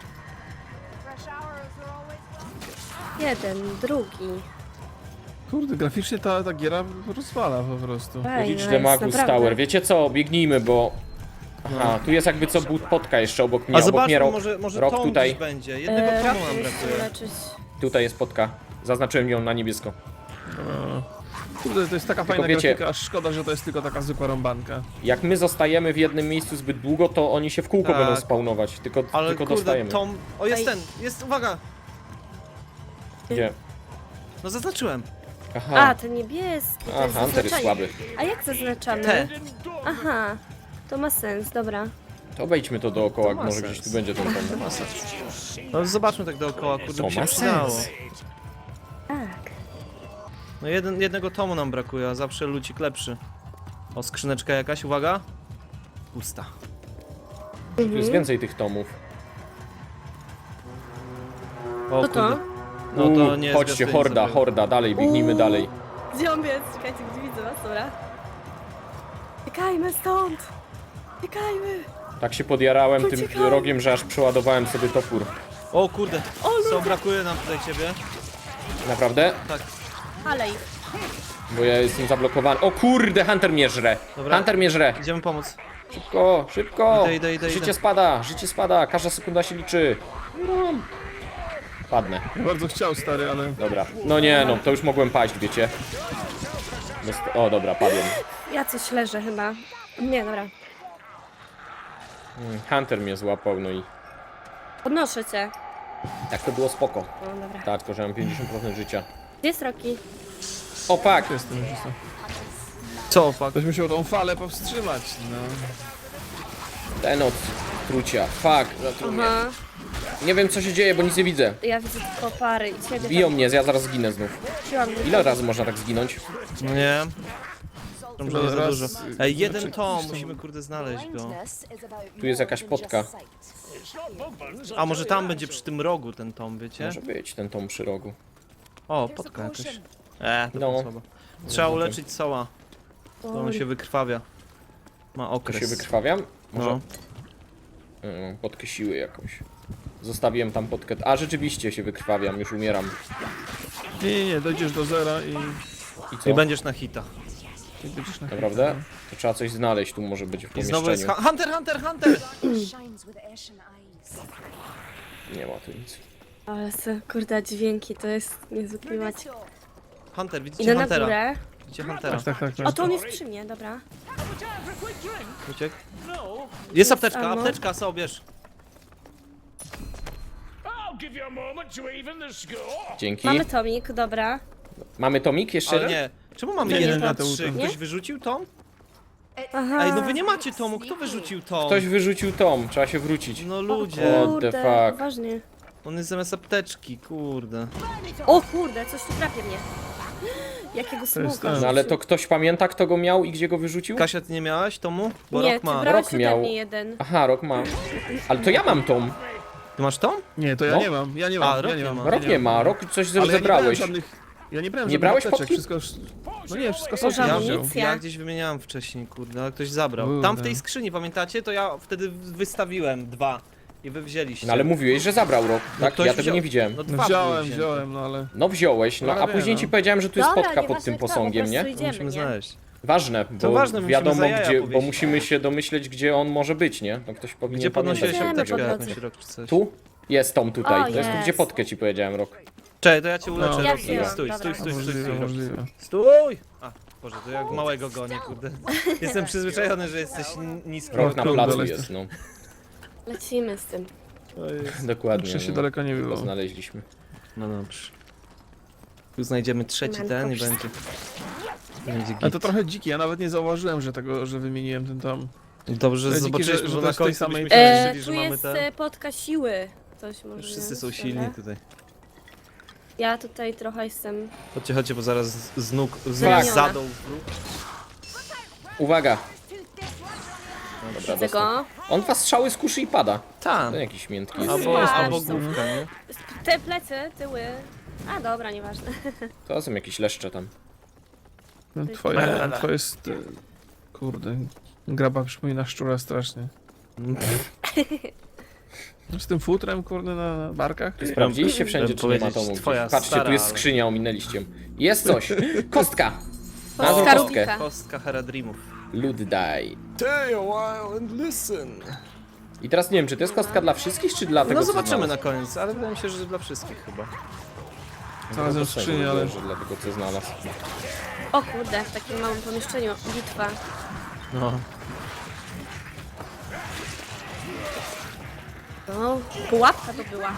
Speaker 4: Jeden, drugi.
Speaker 2: Kurde, graficznie ta giera rozwala po prostu.
Speaker 4: Fajna
Speaker 1: Reach the
Speaker 4: jest,
Speaker 1: Magus
Speaker 4: naprawdę.
Speaker 1: Tower. Wiecie co? Biegnijmy, bo... Aha, tu jest jakby co potka jeszcze obok mnie.
Speaker 3: A
Speaker 1: Obok mnie
Speaker 3: zobaczmy,
Speaker 1: rok.
Speaker 3: może
Speaker 1: Rok
Speaker 3: Tom
Speaker 1: tutaj.
Speaker 3: gdzieś będzie. Jednego
Speaker 4: Rok
Speaker 3: tomu nam
Speaker 4: musi
Speaker 3: brakuje.
Speaker 4: leczyć.
Speaker 1: Tutaj jest potka. Zaznaczyłem ją na niebiesko.
Speaker 2: Kurde, to jest taka fajna
Speaker 1: wiecie-
Speaker 2: grafika, aż szkoda, że to jest tylko taka zwykła rąbanka.
Speaker 1: Jak my zostajemy w jednym miejscu zbyt długo, to oni się w kółko
Speaker 3: Tak.
Speaker 1: będą spawnować. Tylko
Speaker 3: Ale kurde,
Speaker 1: dostajemy.
Speaker 3: Tom... O, jest
Speaker 4: Ej.
Speaker 3: ten! Jest, uwaga!
Speaker 1: Gdzie?
Speaker 3: No zaznaczyłem.
Speaker 1: Aha.
Speaker 4: A, ten niebieski. To
Speaker 1: A,
Speaker 4: jest
Speaker 1: Hunter jest
Speaker 4: zaznaczenie.
Speaker 1: słaby.
Speaker 4: A jak zaznaczamy?
Speaker 3: Te.
Speaker 4: Aha, to ma sens, dobra.
Speaker 1: To obejdźmy to dookoła,
Speaker 3: ma
Speaker 1: może
Speaker 3: sens.
Speaker 1: gdzieś tu będzie ten tom.
Speaker 3: No zobaczmy tak dookoła, kurde,
Speaker 1: To
Speaker 3: by się
Speaker 1: ma
Speaker 3: przydało.
Speaker 1: sens.
Speaker 4: Tak.
Speaker 3: No jednego tomu nam brakuje, a zawsze lucik lepszy. O, skrzyneczka jakaś, uwaga. Pusta.
Speaker 1: Tu jest więcej tych tomów.
Speaker 3: O
Speaker 4: Co to?
Speaker 3: kurde. No to nie
Speaker 1: Chodźcie,
Speaker 3: zwiastuje
Speaker 1: horda,
Speaker 3: sobie.
Speaker 1: horda, dalej, biegnijmy dalej.
Speaker 4: Gdzie on jest? Czekajcie, gdzie widzę was, dobra. Uciekajmy stąd! Uciekajmy!
Speaker 1: Tak się podjarałem tym
Speaker 4: Uciekamy.
Speaker 1: rogiem, że aż przeładowałem sobie topór.
Speaker 3: O kurde, co brakuje nam tutaj ciebie?
Speaker 1: Naprawdę?
Speaker 3: Tak.
Speaker 4: Ale ich.
Speaker 1: Bo ja jestem zablokowany. O kurde, Hunter mnie żre.
Speaker 3: Dobra.
Speaker 1: Hunter mnie żre.
Speaker 3: Idziemy pomóc.
Speaker 1: Szybko, szybko.
Speaker 3: Idę.
Speaker 1: Życie spada, każda sekunda się liczy. Padnę.
Speaker 2: Ja bardzo chciał, stary, ale...
Speaker 1: Dobra. No nie, no to już mogłem paść, wiecie. O, dobra, padłem.
Speaker 4: Ja coś leżę chyba. Nie, dobra.
Speaker 1: Hunter mnie złapał, no i
Speaker 4: Podnoszę cię.
Speaker 1: tak to było spoko.
Speaker 4: O, dobra.
Speaker 1: Tak, tylko że mam 50% życia.
Speaker 4: Gdzie jest Rocky?
Speaker 1: O, fuck!
Speaker 2: Jestem już to.
Speaker 3: Co, fuck?
Speaker 2: Ktoś musiał tą falę powstrzymać, no.
Speaker 1: Ten od trucia. Fuck, zatruł mnie.
Speaker 4: Aha.
Speaker 1: Nie wiem co się dzieje, bo nic nie widzę.
Speaker 4: Ja widzę tylko pary i ciebie
Speaker 1: Biją
Speaker 4: tam
Speaker 1: mnie, ja zaraz zginę znów.
Speaker 4: wróciłam.
Speaker 1: Ile razy można tak zginąć?
Speaker 3: No nie. Może nie za
Speaker 2: Raz,
Speaker 3: dużo. Ej, jeden
Speaker 2: znaczy,
Speaker 3: tom, musimy kurde znaleźć go.
Speaker 1: Tu jest jakaś potka.
Speaker 3: A może tam będzie przy tym rogu ten tom, wiecie?
Speaker 1: Może być ten tom przy rogu.
Speaker 3: O, potka jakaś. To
Speaker 1: No.
Speaker 3: słabo. Trzeba uleczyć soła, to on się wykrwawia. Ma
Speaker 1: To
Speaker 3: okres.
Speaker 1: się wykrwawiam? Może
Speaker 3: No.
Speaker 1: potkę siły jakąś. Zostawiłem tam potkę. A rzeczywiście się wykrwawiam, już umieram.
Speaker 2: Nie, dojdziesz do zera i
Speaker 1: I co?
Speaker 3: I będziesz na hita.
Speaker 2: będziesz na
Speaker 1: Naprawdę? To trzeba coś znaleźć, tu może być w
Speaker 3: I znowu jest
Speaker 1: pomieszczeniu.
Speaker 3: Hunter!
Speaker 1: Nie ma tu nic.
Speaker 4: Ale se, kurde, dźwięki, to jest niezły klimat.
Speaker 3: Hunter, widzicie
Speaker 4: Idę na
Speaker 3: Huntera?
Speaker 4: górę.
Speaker 3: Widzicie Huntera?
Speaker 2: Tak.
Speaker 4: O, to on jest przy mnie, dobra.
Speaker 3: Uciekł? Jest apteczka,
Speaker 4: ammo.
Speaker 3: apteczka, so bierz.
Speaker 1: Dzięki.
Speaker 4: Mamy tomik, dobra.
Speaker 1: Mamy tomik jeszcze?
Speaker 3: Ale nie. Czemu mamy
Speaker 2: Nie,
Speaker 3: 1
Speaker 2: nie,
Speaker 3: na
Speaker 2: to
Speaker 3: 3?
Speaker 4: nie?
Speaker 3: Ktoś wyrzucił tom?
Speaker 4: Aha.
Speaker 3: Ej, no wy nie macie tomu, kto wyrzucił tom?
Speaker 1: Ktoś wyrzucił tom, trzeba się wrócić.
Speaker 3: No
Speaker 4: O
Speaker 3: ludzie,
Speaker 1: What the
Speaker 4: kurde,
Speaker 1: fuck?
Speaker 4: poważnie.
Speaker 3: on jest zamiast apteczki, kurde.
Speaker 4: O kurde, coś tu trafia mnie. Jakiego
Speaker 2: jest
Speaker 4: smoka.
Speaker 2: ten.
Speaker 1: No ale to ktoś pamięta, kto go miał i gdzie go wyrzucił?
Speaker 3: Kasia, ty nie miałaś tomu? Bo
Speaker 4: Nie,
Speaker 3: Rok
Speaker 4: ty
Speaker 3: ma.
Speaker 4: brałeś
Speaker 1: Rok
Speaker 4: ode
Speaker 1: miał.
Speaker 4: mnie jeden.
Speaker 1: Aha, rok ma. Ale to ja mam tom.
Speaker 3: Ty masz tom?
Speaker 2: Nie, to ja
Speaker 1: No.
Speaker 2: nie mam, ja nie
Speaker 3: A,
Speaker 2: mam,
Speaker 3: Rok
Speaker 2: ja nie
Speaker 3: nie
Speaker 2: mam.
Speaker 3: ma.
Speaker 1: Rok nie ma, rok coś
Speaker 2: Ale ja nie brałem
Speaker 1: zebrałeś.
Speaker 2: żadnych... Ja nie brałem
Speaker 1: Nie
Speaker 2: żadnych
Speaker 1: brałeś
Speaker 2: apteczek,
Speaker 1: potki?
Speaker 2: wszystko... No nie, wszystko
Speaker 4: Boże,
Speaker 2: sobie
Speaker 4: amunicja.
Speaker 2: wziął.
Speaker 3: Ja gdzieś wymieniałem wcześniej, kurde, ale ktoś zabrał. Tam w tej skrzyni, pamiętacie? To ja wtedy wystawiłem 2 i wy wzięliście.
Speaker 1: No ale mówiłeś, że zabrał rok,
Speaker 3: No
Speaker 1: tak?
Speaker 3: ktoś
Speaker 1: Ja tego
Speaker 3: wziął.
Speaker 1: nie widziałem.
Speaker 3: No,
Speaker 2: No
Speaker 3: dwa były wzięte.
Speaker 2: wziąłem, no ale...
Speaker 1: No wziąłeś, no a
Speaker 2: Ale
Speaker 1: później
Speaker 2: no.
Speaker 1: ci powiedziałem, że tu jest
Speaker 4: Dobra,
Speaker 1: spotka pod
Speaker 4: nieważne
Speaker 1: tym
Speaker 4: kto,
Speaker 1: posągiem,
Speaker 4: po
Speaker 1: nie?
Speaker 4: prostu
Speaker 3: To musimy
Speaker 4: idziemy, nie?
Speaker 3: znaleźć.
Speaker 1: Ważne, bo
Speaker 3: ważne, musimy
Speaker 1: wiadomo
Speaker 3: za jaja
Speaker 1: gdzie, bo
Speaker 3: powiesić.
Speaker 1: musimy się domyśleć, gdzie on może być, nie? No ktoś powinien
Speaker 3: Gdzie podnosiłeś
Speaker 1: pamiętać.
Speaker 4: Idziemy
Speaker 3: apteczkę
Speaker 4: po drodze.
Speaker 3: jakąś rok czy coś?
Speaker 1: Tu? Jest tom tutaj,
Speaker 4: O,
Speaker 1: to jest tu,
Speaker 4: jest.
Speaker 1: gdzie potkę ci powiedziałem, rok.
Speaker 3: Czekaj, to ja cię uleczę,
Speaker 2: No.
Speaker 4: Ja
Speaker 3: Rocky.
Speaker 4: wzięłam,
Speaker 3: Stój,
Speaker 4: dobra.
Speaker 3: stój.
Speaker 2: Możliwe, możliwe.
Speaker 3: Stój! A, Boże, to jak małego gonię, kurde. Jestem przyzwyczajony, że jesteś niski.
Speaker 1: Rok na
Speaker 2: kurde,
Speaker 1: placu
Speaker 2: ale-
Speaker 1: jest, no.
Speaker 4: Lecimy z tym.
Speaker 1: Dokładnie.
Speaker 2: Jeszcze się
Speaker 1: no.
Speaker 2: daleko nie
Speaker 1: To
Speaker 2: było.
Speaker 1: znaleźliśmy.
Speaker 3: No dobrze. Tu znajdziemy trzeci ten i będzie. Będzie
Speaker 2: Ale
Speaker 3: git.
Speaker 2: to trochę dziki, ja nawet nie zauważyłem, że wymieniłem ten tam.
Speaker 3: Dobrze, że
Speaker 2: Ale dziki,
Speaker 3: zobaczyliśmy,
Speaker 2: że
Speaker 3: bo
Speaker 2: to
Speaker 3: na
Speaker 2: jest tej
Speaker 3: końcu
Speaker 2: samej-
Speaker 3: byśmy myśleli, że
Speaker 4: Tu
Speaker 3: mamy
Speaker 4: jest
Speaker 3: ten.
Speaker 4: potka siły. Coś może.
Speaker 3: Wszyscy
Speaker 4: nie?
Speaker 3: są silni
Speaker 4: Dobra.
Speaker 3: tutaj.
Speaker 4: Ja tutaj trochę jestem.
Speaker 3: Chodźcie, bo zaraz z nóg,
Speaker 4: Zraniona.
Speaker 3: z zadą wróg.
Speaker 1: Uwaga! Dobra,
Speaker 4: Widzę
Speaker 1: dostał.
Speaker 4: go.
Speaker 1: On dwa strzały z kuszy i pada.
Speaker 3: Tam.
Speaker 1: To jakiś miętki jest.
Speaker 3: Albo,
Speaker 4: Spać.
Speaker 3: albo główka, nie?
Speaker 4: Te plecy, tyły. A dobra, nieważne.
Speaker 1: To są jakieś leszcze tam.
Speaker 2: No, twoje jest... Kurde, graba przypomina szczura strasznie. Z tym futrem, kurde, na barkach?
Speaker 1: Sprawdziliście wszędzie, czy nie ma
Speaker 3: powiedzieć,
Speaker 1: tomu
Speaker 3: twoja
Speaker 1: gdzieś. Patrzcie,
Speaker 3: stara,
Speaker 1: tu jest
Speaker 3: ale-
Speaker 1: skrzynia, ominęliście. Jest coś! Kostka! Znalazłem
Speaker 4: Kostka
Speaker 1: kostkę.
Speaker 4: Rubika.
Speaker 3: Kostka Heradrimów.
Speaker 1: Luddaj.
Speaker 3: Stay a while and listen.
Speaker 1: I teraz nie wiem, czy to jest kostka dla wszystkich, czy dla tego,
Speaker 3: No
Speaker 1: co
Speaker 3: zobaczymy
Speaker 1: znalazł?
Speaker 3: na koniec, ale wydaje mi się, że dla wszystkich chyba.
Speaker 2: Znalazłem
Speaker 1: To
Speaker 2: skrzynię, ale...
Speaker 1: że dla tego, co znalazł.
Speaker 4: O kurde, w takim małym pomieszczeniu. Bitwa.
Speaker 3: No.
Speaker 4: No, pułapka to była.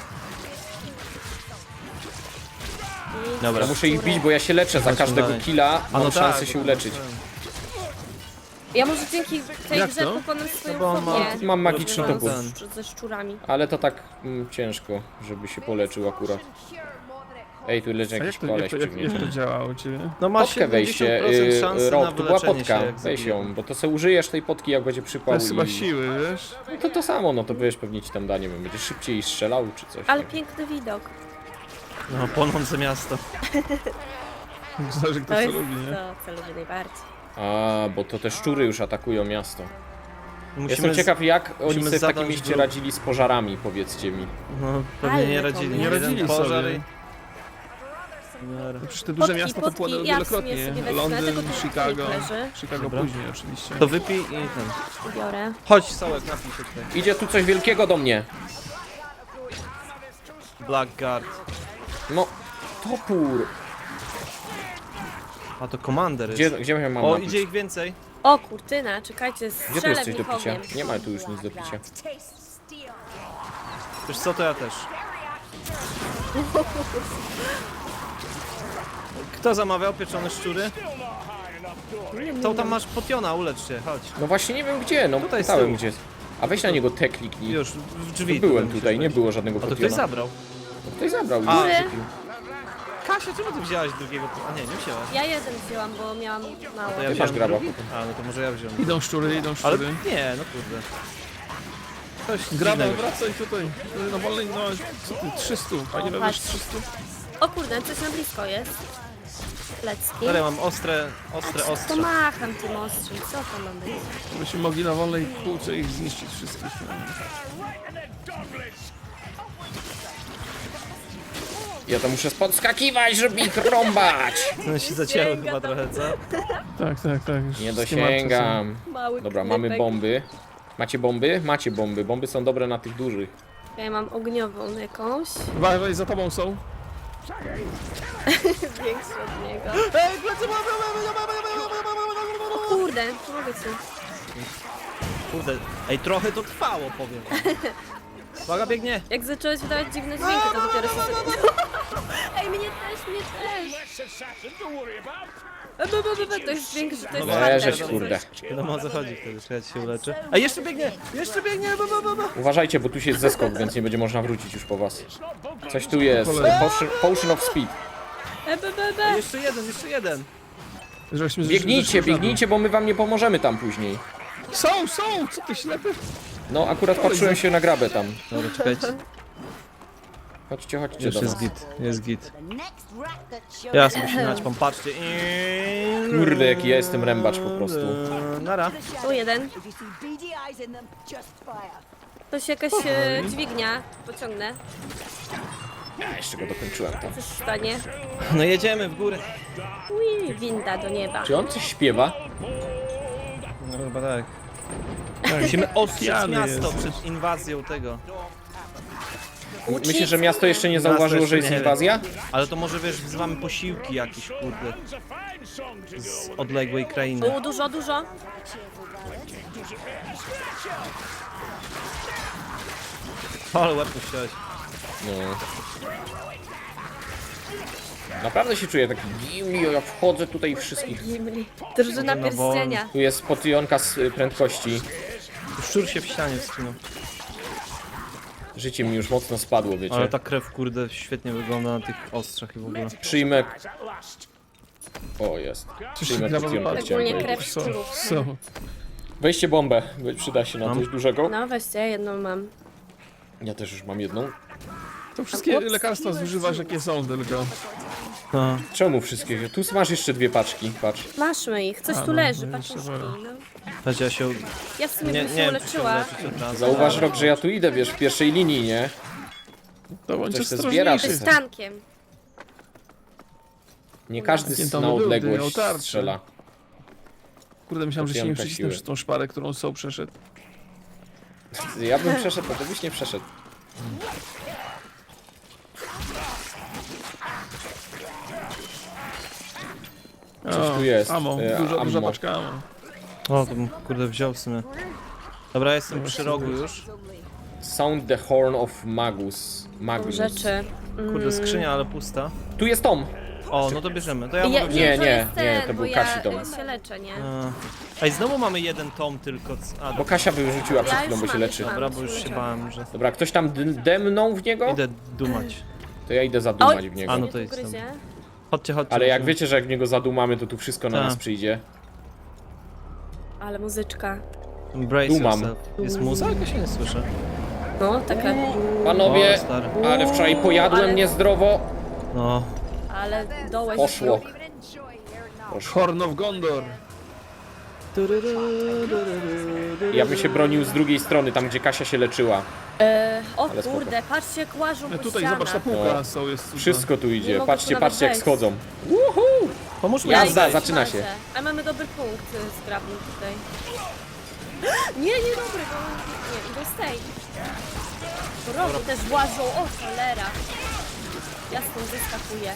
Speaker 3: Dobra.
Speaker 1: Ja muszę ich bić, bo ja się leczę za
Speaker 3: Chodźmy
Speaker 1: każdego
Speaker 3: dalej.
Speaker 1: killa,
Speaker 3: A no
Speaker 1: mam szansę
Speaker 3: tak,
Speaker 1: się
Speaker 3: bo-
Speaker 1: uleczyć.
Speaker 4: Ja może dzięki tej
Speaker 2: Jak
Speaker 4: grze
Speaker 2: to?
Speaker 4: pokonam swoją
Speaker 3: bo on ma-
Speaker 4: fobię.
Speaker 1: Mam magiczny
Speaker 4: związaną
Speaker 1: topór.
Speaker 4: ze szczurami.
Speaker 1: Ale to tak ciężko, żeby się poleczył akurat. Ej, tu leży
Speaker 2: A
Speaker 1: jakiś
Speaker 2: jak to,
Speaker 1: koleś
Speaker 2: jak,
Speaker 1: przy
Speaker 2: jak,
Speaker 1: mnie.
Speaker 2: jak to działa u ciebie?
Speaker 3: No masz
Speaker 1: Potkę wejście,
Speaker 3: 70% szansy na
Speaker 1: rok, tu była
Speaker 3: wyleczenie się,
Speaker 1: potka,
Speaker 3: jak
Speaker 1: weź
Speaker 3: zabiję.
Speaker 1: ją, bo to se użyjesz tej potki, jak będzie
Speaker 2: To
Speaker 1: przypał
Speaker 2: jest chyba
Speaker 1: i...
Speaker 2: siły, wiesz?
Speaker 1: No to samo, no to wiesz, pewnie ci tam da, nie wiem, będzie szybciej strzelał czy coś.
Speaker 4: Ale
Speaker 1: tak?
Speaker 4: piękny widok.
Speaker 3: No, płonące miasto.
Speaker 2: Zależy kto
Speaker 4: To
Speaker 2: co
Speaker 4: jest
Speaker 2: lubi, nie?
Speaker 4: to, co lubię najbardziej.
Speaker 1: A, bo to te szczury już atakują miasto.
Speaker 3: Musimy
Speaker 1: Jestem ciekaw, jak oni
Speaker 3: musimy
Speaker 1: sobie w takim
Speaker 3: zadać
Speaker 1: mieście
Speaker 3: wróg.
Speaker 1: radzili z pożarami, powiedzcie mi.
Speaker 3: No, pewnie
Speaker 4: Ale
Speaker 3: nie
Speaker 4: to
Speaker 3: radzili.
Speaker 4: nie
Speaker 2: Nie
Speaker 3: Jeden
Speaker 2: radzili
Speaker 3: pożar
Speaker 2: sobie.
Speaker 3: i...
Speaker 2: No przecież te duże
Speaker 4: Potki,
Speaker 2: miasta
Speaker 4: potki,
Speaker 2: popłynęły
Speaker 4: ja w sumie
Speaker 2: wielokrotnie.
Speaker 4: sobie wezmę,
Speaker 2: Londyn,
Speaker 4: tego tu
Speaker 2: Chicago.
Speaker 4: leży.
Speaker 2: Chicago
Speaker 3: Dobra.
Speaker 2: później oczywiście.
Speaker 3: To wypij i ten.
Speaker 4: Biorę.
Speaker 3: Chodź, Sołek, napij się tutaj.
Speaker 1: Idzie tu coś wielkiego do mnie.
Speaker 3: Blackguard.
Speaker 1: No, topór.
Speaker 3: A to Commander
Speaker 1: Gdzie,
Speaker 3: jest.
Speaker 1: gdzie ja mam
Speaker 3: O,
Speaker 1: napić?
Speaker 3: idzie ich więcej.
Speaker 4: O kurtyna, czekajcie,
Speaker 1: Gdzie tu
Speaker 4: strzelę
Speaker 1: jest
Speaker 4: w
Speaker 1: coś do
Speaker 4: nich
Speaker 1: picia?
Speaker 4: ogniem.
Speaker 1: Nie ma tu już nic do picia.
Speaker 3: Wiesz co, to ja też. Kto zamawiał pieczone szczury? To tam masz potiona, ulecz się, chodź.
Speaker 1: No właśnie nie wiem gdzie, no
Speaker 3: Tutaj z
Speaker 1: pytałem
Speaker 3: tyłu.
Speaker 1: gdzie. A weź na niego te kliknij.
Speaker 3: Już, w drzwi.
Speaker 1: Byłem
Speaker 3: musisz
Speaker 1: tutaj, nie
Speaker 3: wejść.
Speaker 1: było żadnego
Speaker 3: A to ktoś
Speaker 1: potiona.
Speaker 3: zabrał.
Speaker 1: Ktoś zabrał.
Speaker 3: A.
Speaker 1: już kupił.
Speaker 3: Kasia, czemu ty wzięłaś drugiego? A nie wzięłaś.
Speaker 4: Ja jeden wzięłam, bo miałam mało.
Speaker 3: To ja
Speaker 1: Ty
Speaker 3: wziąłem
Speaker 1: masz graba
Speaker 3: drugi?
Speaker 1: potem.
Speaker 3: A, no to może ja wziąłem.
Speaker 2: Idą szczury, idą
Speaker 3: Ale
Speaker 2: szczury.
Speaker 3: nie, no kurde. Coś
Speaker 2: Graba,
Speaker 3: dziwnego.
Speaker 2: wracaj tutaj. Na wolnej, no co ty, 300. Panie
Speaker 4: O,
Speaker 2: weź
Speaker 4: patrz.
Speaker 2: 300.
Speaker 4: O kurde, coś na blisko jest. Lecki.
Speaker 3: Dobra, ja mam ostre
Speaker 4: To
Speaker 3: ostrze.
Speaker 4: macham tym ostrzem, co to ma być?
Speaker 2: Żebyśmy mogli na wolnej półce ich zniszczyć wszystkich.
Speaker 1: Ja to muszę podskakiwać, żeby ich rąbać.
Speaker 3: No się zacięły chyba trochę, co?
Speaker 2: Tak, tak, tak. Już
Speaker 1: Nie
Speaker 2: wszystkie martwe
Speaker 1: dosięgam.
Speaker 4: Mały
Speaker 1: Dobra,
Speaker 4: knypek.
Speaker 1: mamy bomby. Macie bomby? Macie bomby. Bomby są dobre na tych dużych.
Speaker 4: Ja mam ogniową jakąś.
Speaker 2: są. Uważaj, za tobą są.
Speaker 4: Większy od niego.
Speaker 3: Ej, plecy,
Speaker 4: O kurde, mogę cię.
Speaker 3: Kurde, ej, trochę to trwało, powiem. Uwaga, biegnie.
Speaker 4: Jak zacząłeś wydawać dziwne dźwięki, to dopiero się... Ej, mnie też, mnie też. To jest większy, to jest
Speaker 1: Leżeć,
Speaker 4: partner.
Speaker 1: kurde.
Speaker 3: Wiadomo o co chodzi wtedy, czekaj, się uleczę. Ej, jeszcze biegnie! Jeszcze biegnie!
Speaker 1: Uważajcie, bo tu się jest zeskok, więc nie będzie można wrócić już po was. Coś tu jest. Potion of speed.
Speaker 3: Jeszcze jeden!
Speaker 2: Żeśmy
Speaker 1: Biegnijcie, biegnijcie, bo my wam nie pomożemy tam później.
Speaker 2: Są! Co ty ślepy?
Speaker 1: No, akurat patrzyłem się na grabę tam.
Speaker 3: Dobra, czekajcie.
Speaker 1: Chodźcie do
Speaker 3: Już
Speaker 1: nas.
Speaker 3: jest git. Ja sobie się naćpam, patrzcie.
Speaker 1: Kurde, jaki ja jestem rębacz po prostu.
Speaker 3: Nara.
Speaker 4: Tu jeden. To się jakaś dźwignia. Pociągnę.
Speaker 1: Ja jeszcze go dokończyłem tam.
Speaker 4: Coś stanie.
Speaker 3: No jedziemy w górę.
Speaker 4: Ui, winda do nieba.
Speaker 1: Czy on coś śpiewa?
Speaker 3: No chyba tak. Musimy ostrzec
Speaker 2: Pijany
Speaker 3: miasto
Speaker 2: jesteś.
Speaker 3: przed inwazją tego.
Speaker 1: Myślisz, że miasto jeszcze nie zauważyło, że jest
Speaker 3: jeszcze nie
Speaker 1: inwazja?
Speaker 3: Ale to może wiesz, wzywamy posiłki jakieś, kurde. Z odległej krainy.
Speaker 4: U, dużo.
Speaker 3: Ale łatwo chciałeś.
Speaker 1: No. Naprawdę się czuję taki gimli, ja wchodzę tutaj wszystkich.
Speaker 4: Gimli. Drużyna
Speaker 3: Na wolno.
Speaker 4: pierścienia.
Speaker 1: Tu jest potyjonka z prędkości.
Speaker 3: Szczur się w ścianie wstrzymał.
Speaker 1: Życie mi już mocno spadło, wiecie.
Speaker 3: Ale ta krew, kurde, świetnie wygląda na tych ostrzach i w ogóle.
Speaker 1: Przyjmę... O, jest. Przyjmę
Speaker 2: graba
Speaker 1: potyjonkę,
Speaker 2: wypadła.
Speaker 1: chciałem
Speaker 4: Ogólnie
Speaker 1: powiedzieć.
Speaker 4: krew
Speaker 2: Są,
Speaker 4: szczurów.
Speaker 2: są.
Speaker 1: Weźcie bombę, bo przyda się na
Speaker 3: Mam.
Speaker 1: coś dużego.
Speaker 4: No weźcie, jedną mam.
Speaker 1: Ja też już mam jedną.
Speaker 2: To wszystkie lekarstwa zużywasz jakie są tylko.
Speaker 3: No.
Speaker 1: Czemu wszystkie? Tu masz jeszcze 2 paczki, patrz.
Speaker 4: Maszmy ich, coś
Speaker 2: A,
Speaker 4: tu
Speaker 2: no,
Speaker 4: leży,
Speaker 2: no jeszcze
Speaker 4: paczuszki.
Speaker 2: wolę.
Speaker 4: No.
Speaker 3: Chodź, ja się...
Speaker 4: Ja w sumie
Speaker 3: Nie,
Speaker 4: bym
Speaker 3: nie
Speaker 4: się
Speaker 3: wiem, czy się
Speaker 4: uleczyła.
Speaker 3: uleczyć od razu.
Speaker 1: Zauważ, Rok, że ja tu idę, wiesz, w pierwszej linii, nie?
Speaker 2: To bądź
Speaker 1: Coś se zbiera,
Speaker 2: ostrożniejszy.
Speaker 1: to
Speaker 4: Z tankiem.
Speaker 1: Nie każdy
Speaker 2: Nie, tam
Speaker 1: na
Speaker 2: był,
Speaker 1: odległość
Speaker 2: miał tarczę.
Speaker 1: strzela.
Speaker 2: Kurde, myślałem, że się nie
Speaker 1: Potyjonka
Speaker 2: przycisnę
Speaker 1: siły.
Speaker 2: przez tą szparę, którą są przeszedł.
Speaker 1: Ja bym przeszedł, to byś nie przeszedł. Coś tu jest.
Speaker 2: Amo, duża
Speaker 1: ammo.
Speaker 2: paczka amo.
Speaker 3: O, to bym, kurde, wziął w sumie. Dobra, jestem przy rogu już.
Speaker 1: Sound the Horn of Magus. Magnus.
Speaker 4: Rzeczy.
Speaker 3: Kurde, skrzynia, ale pusta.
Speaker 1: Tu jest Tom.
Speaker 3: O, no to bierzemy. To ja
Speaker 4: Ja,
Speaker 3: mogę
Speaker 1: Nie,
Speaker 3: wziąć.
Speaker 4: to
Speaker 1: nie,
Speaker 4: jest ten,
Speaker 1: nie, to
Speaker 4: bo
Speaker 1: był Kasi dom.
Speaker 4: ja się leczę, nie?
Speaker 3: Ej, znowu mamy jeden tom tylko. A,
Speaker 1: Bo Kasia by wyrzuciła przed
Speaker 4: Ja
Speaker 1: chwilą,
Speaker 4: już
Speaker 1: bo się
Speaker 4: mam,
Speaker 1: leczy.
Speaker 4: już mam.
Speaker 3: dobra, bo już się bałem, że...
Speaker 1: Dobra, ktoś tam demnął w niego?
Speaker 3: Idę dumać.
Speaker 1: To ja idę zadumać
Speaker 4: Oj,
Speaker 1: w niego.
Speaker 3: A, no
Speaker 4: mnie
Speaker 3: to
Speaker 4: tu
Speaker 3: jest
Speaker 4: gryzie.
Speaker 3: Chodźcie.
Speaker 1: Ale jak wiecie, że jak w niego zadumamy, to tu wszystko na
Speaker 3: Tak.
Speaker 1: nas przyjdzie.
Speaker 4: Ale muzyczka.
Speaker 3: Brace
Speaker 1: Dumam.
Speaker 3: yourself. Jest muza? Jak ja się nie słyszę.
Speaker 4: No, taka.
Speaker 1: Panowie,
Speaker 3: O, stary.
Speaker 1: ale wczoraj pojadłem
Speaker 4: Ale-
Speaker 1: niezdrowo.
Speaker 3: No.
Speaker 4: Ale dołeś.
Speaker 1: Poszło.
Speaker 2: Horn of Gondor.
Speaker 1: Ja bym się bronił z drugiej strony, tam gdzie Kasia się leczyła.
Speaker 4: O
Speaker 1: Ale spoko.
Speaker 4: kurde, patrzcie jak łażą po
Speaker 2: Tutaj
Speaker 4: ścianach.
Speaker 2: zobacz, ta półka
Speaker 1: No.
Speaker 2: są, jest cudna.
Speaker 1: Wszystko tu
Speaker 4: Nie
Speaker 1: idzie.
Speaker 4: mogę
Speaker 1: Patrzcie,
Speaker 4: tu nawet
Speaker 1: patrzcie jak
Speaker 4: wejść.
Speaker 1: schodzą.
Speaker 3: Pomóż mi.
Speaker 1: Jazda,
Speaker 4: ich
Speaker 1: zaczyna
Speaker 4: smażę.
Speaker 1: się.
Speaker 4: A mamy dobry punkt zgrabny tutaj. Nie dobry, bo nie, idą z tej. Po rogu też łażą, o cholera. Ja stąd wyskakuję.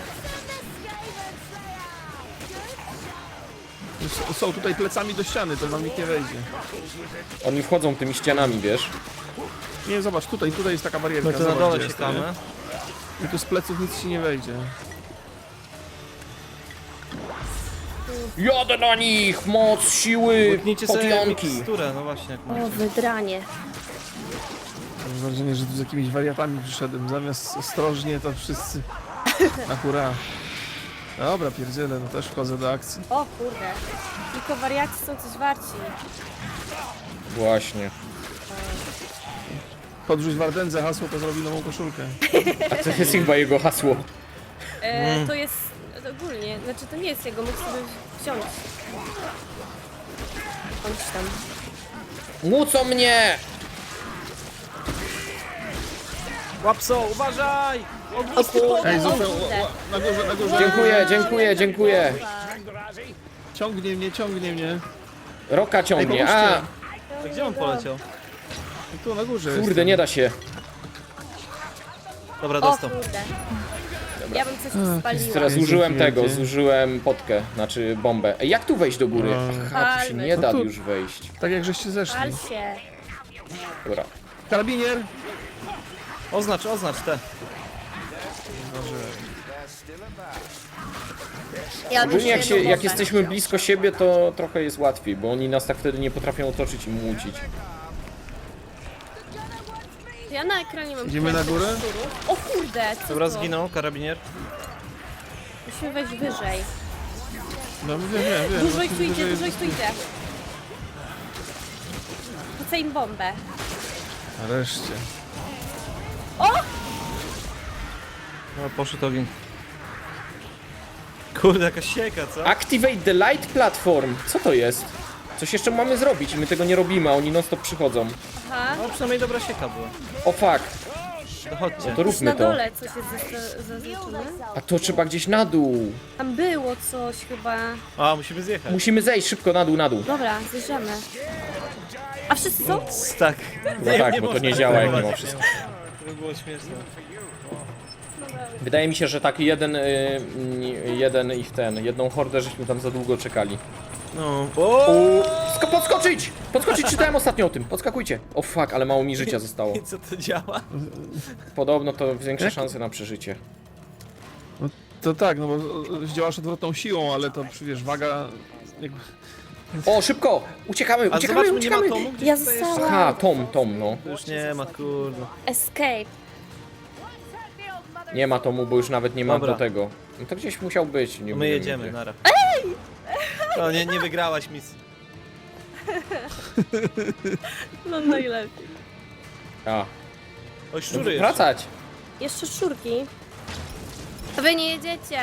Speaker 2: Są tutaj plecami do ściany, to wam nikt nie wejdzie.
Speaker 1: Oni wchodzą tymi ścianami, wiesz?
Speaker 2: Nie, zobacz, tutaj jest taka barierka.
Speaker 3: My tu na
Speaker 2: zobacz,
Speaker 3: dole
Speaker 2: gdzie jest,
Speaker 3: siekamy.
Speaker 2: nie? I tu z pleców nic ci nie wejdzie.
Speaker 1: Jadę na nich! Moc, siły,
Speaker 3: Łyknijcie sobie
Speaker 1: podjąki.
Speaker 3: miksturę, no właśnie, jak
Speaker 4: O,
Speaker 3: macie.
Speaker 4: wydranie.
Speaker 2: Mam wrażenie, że tu z jakimiś wariatami przyszedłem. Zamiast ostrożnie, to wszyscy na hura. Dobra, pierdzielę, no też wchodzę do akcji.
Speaker 4: O kurde. Tylko wariaci są coś warci.
Speaker 1: Właśnie.
Speaker 2: Podrzuć Wardędze hasło, to zrobi nową koszulkę.
Speaker 1: A to jest chyba jego hasło.
Speaker 4: To jest ogólnie, znaczy to nie jest jego, mógł sobie wziąć. On ci tam.
Speaker 1: Mucą mnie!
Speaker 3: Łapso, uważaj!
Speaker 4: O
Speaker 3: Ognisty
Speaker 4: kurde.
Speaker 3: podór!
Speaker 2: Ej,
Speaker 4: O
Speaker 2: został
Speaker 4: kurde.
Speaker 2: na górze, na górze.
Speaker 1: Dziękuję.
Speaker 2: Ciągnie mnie.
Speaker 1: Roka
Speaker 2: Ej,
Speaker 1: ciągnie.
Speaker 2: pomóżcie.
Speaker 1: A,
Speaker 3: Gdzie on poleciał?
Speaker 2: Tu na górze
Speaker 1: kurde,
Speaker 2: jestem.
Speaker 1: nie da się.
Speaker 3: Dobra,
Speaker 4: O
Speaker 3: dostał.
Speaker 4: kurde. Ja bym coś spaliła.
Speaker 1: Teraz
Speaker 2: Jezu,
Speaker 1: zużyłem tego,
Speaker 2: wielkie.
Speaker 1: zużyłem potkę, znaczy bombę. Ej, jak tu wejść do góry? Aha, tu się
Speaker 4: Palmy.
Speaker 1: nie
Speaker 2: No
Speaker 1: da
Speaker 2: tu-
Speaker 1: już wejść.
Speaker 2: Tak jak żeście zeszli.
Speaker 4: Pal się.
Speaker 1: Dobra.
Speaker 2: Karabinier!
Speaker 3: Oznacz te.
Speaker 4: Ja
Speaker 1: Ogólnie jak,
Speaker 4: jeszcze jedną
Speaker 1: jak
Speaker 4: bombę.
Speaker 1: jesteśmy blisko siebie, to trochę jest łatwiej, bo oni nas tak wtedy nie potrafią otoczyć i mucić.
Speaker 4: Ja na ekranie mam
Speaker 2: Idziemy na górę?
Speaker 4: szczurów. O kurde, co
Speaker 3: Dobra,
Speaker 4: to?
Speaker 3: zginął karabinier.
Speaker 4: Musimy wejść wyżej.
Speaker 2: No wiem.
Speaker 4: Dużo ich tu idzie, dużo ich tu idzie. Rzucę im bombę.
Speaker 2: Nareszcie.
Speaker 3: No, poszedł ogień. Kurde, jaka sieka, co?
Speaker 1: Activate the light platform! Co to jest? Coś jeszcze mamy zrobić i my tego nie robimy, a oni non stop przychodzą.
Speaker 4: Aha.
Speaker 3: No, przynajmniej dobra sieka była.
Speaker 1: O fuck,
Speaker 3: Dochodźcie.
Speaker 1: to
Speaker 4: Już
Speaker 1: róbmy
Speaker 4: na
Speaker 1: to.
Speaker 4: dole coś jest zaznaczone.
Speaker 1: A to trzeba gdzieś na dół.
Speaker 4: Tam było coś chyba.
Speaker 3: A, musimy zjechać.
Speaker 1: Musimy zejść szybko na dół.
Speaker 4: Dobra, zjeżdżamy. A wszyscy są?
Speaker 3: Tak.
Speaker 1: No tak, bo to nie działa jak mimo wszystko.
Speaker 3: To by było śmieszne.
Speaker 1: Wydaje mi się, że tak jedną hordę żeśmy tam za długo czekali.
Speaker 3: No.
Speaker 1: Podskoczyć! Podskoczyć, czytałem ostatnio o tym, podskakujcie. O fuck, ale mało mi życia zostało.
Speaker 3: I co to działa?
Speaker 1: Podobno to większe szanse na przeżycie.
Speaker 2: To tak, no bo zdziałasz odwrotną siłą, ale to wiesz, waga... Jakby...
Speaker 1: O, szybko! Uciekamy,
Speaker 3: A
Speaker 1: uciekamy,
Speaker 3: zobaczmy, nie ma
Speaker 1: uciekamy!
Speaker 3: tomu gdzieś
Speaker 4: Ja
Speaker 3: tutaj jeszcze?
Speaker 4: zostałam.
Speaker 1: Aha, Tom, no.
Speaker 3: Już nie ma, kurde.
Speaker 4: Escape.
Speaker 1: Nie ma Tomu, bo już nawet nie ma
Speaker 3: Dobra.
Speaker 1: do tego. No to gdzieś musiał być. Nie
Speaker 3: My
Speaker 1: wiem
Speaker 3: jedziemy,
Speaker 1: gdzie.
Speaker 3: nara. No, nie wygrałaś misji.
Speaker 4: No najlepiej.
Speaker 1: A,
Speaker 3: Oj,
Speaker 1: no,
Speaker 3: szczury jeszcze.
Speaker 1: wracać!
Speaker 4: Jeszcze szczurki. A wy nie jedziecie.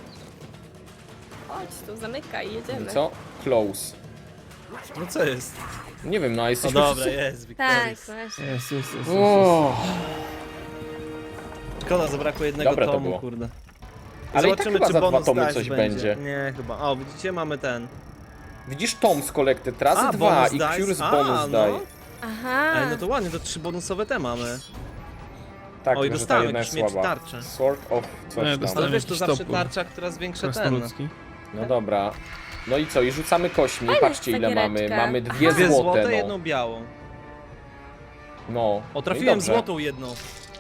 Speaker 4: Chodź tu, zamykaj, jedziemy.
Speaker 1: Co? Close.
Speaker 3: No co jest?
Speaker 1: Nie wiem, no a
Speaker 3: No
Speaker 1: jesteśmy
Speaker 3: dobra,
Speaker 1: wszyscy...
Speaker 3: jest,
Speaker 4: Tak,
Speaker 3: Victoris.
Speaker 4: właśnie.
Speaker 2: Jest.
Speaker 1: O,
Speaker 3: Szkoda, zabrakło jednego
Speaker 1: Dobre to
Speaker 3: tomu,
Speaker 1: było.
Speaker 3: kurde.
Speaker 1: ale i tak chyba za 2
Speaker 3: bonus
Speaker 1: tomy
Speaker 3: dice
Speaker 1: coś będzie.
Speaker 3: Nie, chyba. O, widzicie, mamy ten.
Speaker 1: Widzisz Tom z Collected razy
Speaker 3: A,
Speaker 1: 2
Speaker 3: bonus
Speaker 1: i
Speaker 3: dice.
Speaker 1: Cure z
Speaker 3: A,
Speaker 1: bonus
Speaker 3: no.
Speaker 1: die.
Speaker 4: Aha.
Speaker 3: Ej, no to ładnie, to 3 bonusowe te mamy.
Speaker 1: Tak,
Speaker 3: O, i
Speaker 1: tylko, że ta
Speaker 3: dostałem
Speaker 1: jedna
Speaker 3: jakiś
Speaker 1: jest
Speaker 3: miecz
Speaker 1: słaba.
Speaker 3: tarczę.
Speaker 1: Sword of coś
Speaker 2: Nie,
Speaker 1: tam.
Speaker 2: dostałem.
Speaker 3: Ale wiesz, to
Speaker 2: jakiś
Speaker 3: zawsze
Speaker 2: topór.
Speaker 3: tarcza, która zwiększa ten.
Speaker 2: Krasnoludzki.
Speaker 1: No dobra. No i co? I rzucamy kośćmi.
Speaker 4: Fajna
Speaker 1: Patrzcie
Speaker 4: jest
Speaker 1: ile
Speaker 4: ta
Speaker 1: mamy.
Speaker 4: giereczka.
Speaker 1: Mamy 2
Speaker 3: Dwie
Speaker 1: złote,
Speaker 3: złote,
Speaker 1: no.
Speaker 3: jedną białą.
Speaker 1: No.
Speaker 3: O,
Speaker 1: No i
Speaker 3: trafiłem
Speaker 1: dobrze.
Speaker 3: złotą jedną.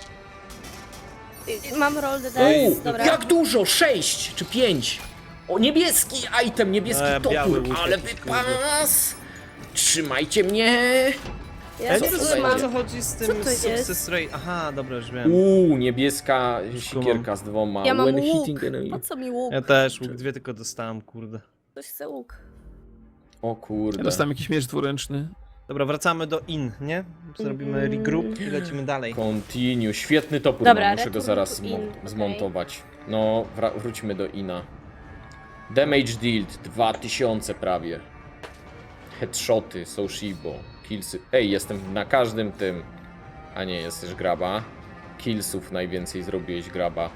Speaker 4: Mam roll the
Speaker 1: Uuu,
Speaker 4: dice, dobra.
Speaker 1: jak dużo? 6 czy 5? O, niebieski item, niebieski
Speaker 3: biały
Speaker 1: topór,
Speaker 3: łuk
Speaker 1: ale
Speaker 3: jakiś,
Speaker 1: wypas! Trzymajcie mnie!
Speaker 4: Ja
Speaker 3: Ja
Speaker 1: Co
Speaker 3: nie
Speaker 1: to
Speaker 3: rozumiem, o
Speaker 1: będzie?
Speaker 3: co chodzi z
Speaker 4: Co
Speaker 3: tym
Speaker 4: to jest?
Speaker 3: success rate. Aha, dobra, już wiem.
Speaker 1: Niebieska sikierka z 2.
Speaker 4: Ja mam
Speaker 1: When
Speaker 4: łuk.
Speaker 1: hitting enemy.
Speaker 4: Po co mi łuk?
Speaker 3: Ja też, łuk 2 tylko dostałem, kurde.
Speaker 4: Ktoś chce łuk.
Speaker 1: O
Speaker 2: Ja
Speaker 1: kurde.
Speaker 2: dostałem jakiś miecz dwuręczny.
Speaker 3: Dobra, wracamy do in, nie? Zrobimy regroup i lecimy dalej.
Speaker 1: Continue. Świetny topór,
Speaker 4: Dobra,
Speaker 1: muszę go
Speaker 4: return
Speaker 1: zaraz
Speaker 4: to in, okej.
Speaker 1: zmontować. No, wróćmy do Ina. Damage dealt 2000 prawie. Headshoty, Soshibo, killsy. Ej, jestem na każdym tym. A nie, jesteś graba. Killsów najwięcej zrobiłeś, graba.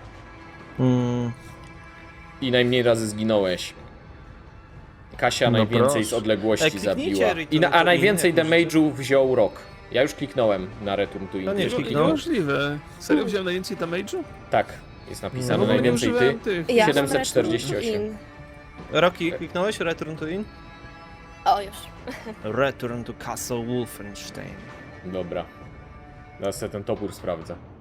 Speaker 1: I najmniej razy zginąłeś. Kasia
Speaker 2: No
Speaker 1: najwięcej
Speaker 2: proszę.
Speaker 1: z odległości
Speaker 3: Ej, kliknijcie
Speaker 1: zabiła.
Speaker 3: Return
Speaker 1: A
Speaker 3: to
Speaker 1: najwięcej
Speaker 3: In, jak
Speaker 1: damage'u wziął Rock. Ja już kliknąłem na Return to In.
Speaker 3: No nie,
Speaker 1: Ty już
Speaker 3: kliknij.
Speaker 1: kliknąłeś?
Speaker 2: Niemożliwe. Serio wziąłem najwięcej damage'u?
Speaker 1: Tak, jest
Speaker 2: No
Speaker 1: napisane
Speaker 2: bo nie
Speaker 1: najwięcej ty.
Speaker 2: używałem tych.
Speaker 4: Ja mam
Speaker 1: 748.
Speaker 4: return to in.
Speaker 3: Rocky, kliknąłeś Return to In?
Speaker 4: O, już.
Speaker 3: Return to Castle Wolfenstein.
Speaker 1: Dobra. Teraz sobie ten topór sprawdzę.